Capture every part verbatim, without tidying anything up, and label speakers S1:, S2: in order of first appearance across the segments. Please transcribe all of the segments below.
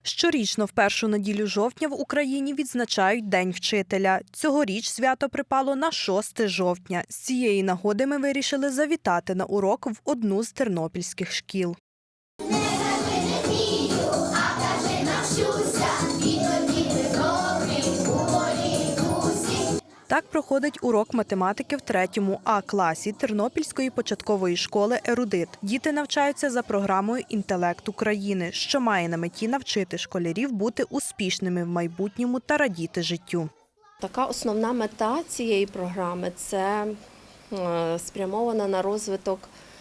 S1: Щорічно в першу неділю жовтня в Україні відзначають День вчителя. Цьогоріч свято припало на шосте жовтня. З цієї нагоди ми вирішили завітати на урок в одну з тернопільських шкіл. Так проходить урок математики в третьому А класі Тернопільської початкової школи «Ерудит». Діти навчаються за програмою «Інтелект України», що має на меті навчити школярів бути успішними в майбутньому та радіти життю.
S2: Така основна мета цієї програми – це спрямована на розвиток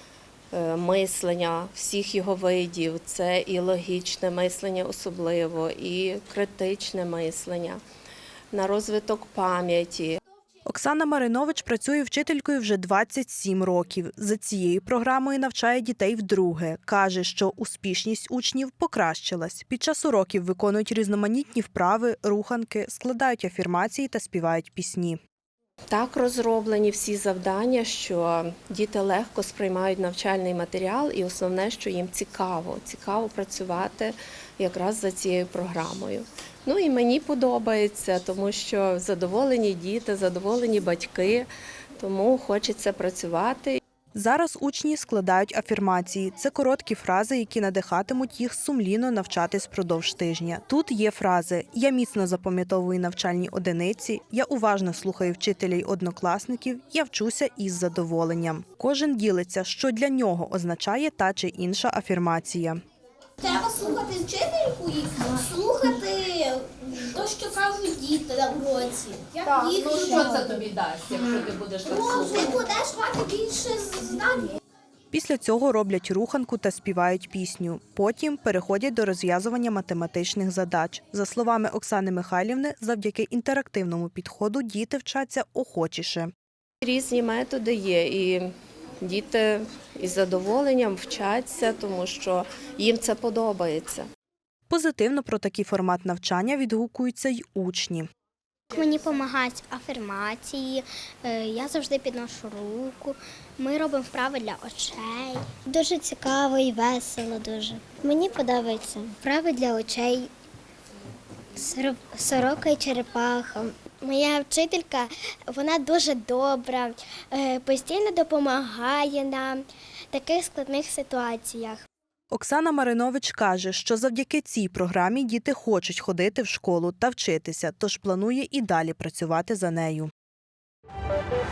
S2: мислення всіх його видів. Це і логічне мислення особливо, і критичне мислення, на розвиток пам'яті.
S1: Оксана Маринович працює вчителькою вже двадцять сім років. За цією програмою навчає дітей вдруге. Каже, що успішність учнів покращилась. Під час уроків виконують різноманітні вправи, руханки, складають афірмації та співають пісні.
S2: Так розроблені всі завдання, що діти легко сприймають навчальний матеріал і основне, що їм цікаво. Цікаво працювати якраз за цією програмою. Ну і мені подобається, тому що задоволені діти, задоволені батьки, тому хочеться працювати.
S1: Зараз учні складають афірмації. Це короткі фрази, які надихатимуть їх сумлінно навчатись впродовж тижня. Тут є фрази «Я міцно запам'ятовую навчальні одиниці», «Я уважно слухаю вчителя й однокласників», «Я вчуся із задоволенням». Кожен ділиться, що для нього означає та чи інша афірмація.
S3: Треба слухати вчительку і слухати те, що кажуть діти на уроці.
S4: Так, ну що це тобі дасть, якщо ти будеш так
S3: Ну,
S4: слухати?
S3: ти будеш мати більше знань.
S1: Після цього роблять руханку та співають пісню. Потім переходять до розв'язування математичних задач. За словами Оксани Михайлівни, завдяки інтерактивному підходу діти вчаться охочіше.
S2: Різні методи є, і діти із задоволенням вчаться, тому що їм це подобається.
S1: Позитивно про такий формат навчання відгукуються й учні.
S5: Мені допомагають афірмації, я завжди підношу руку, ми робимо вправи для очей. Дуже цікаво і весело дуже. Мені подобаються вправи для очей, сорока і черепаха. Моя вчителька, вона дуже добра, постійно допомагає нам в таких складних ситуаціях.
S1: Оксана Маринович каже, що завдяки цій програмі діти хочуть ходити в школу та вчитися, тож планує і далі працювати за нею.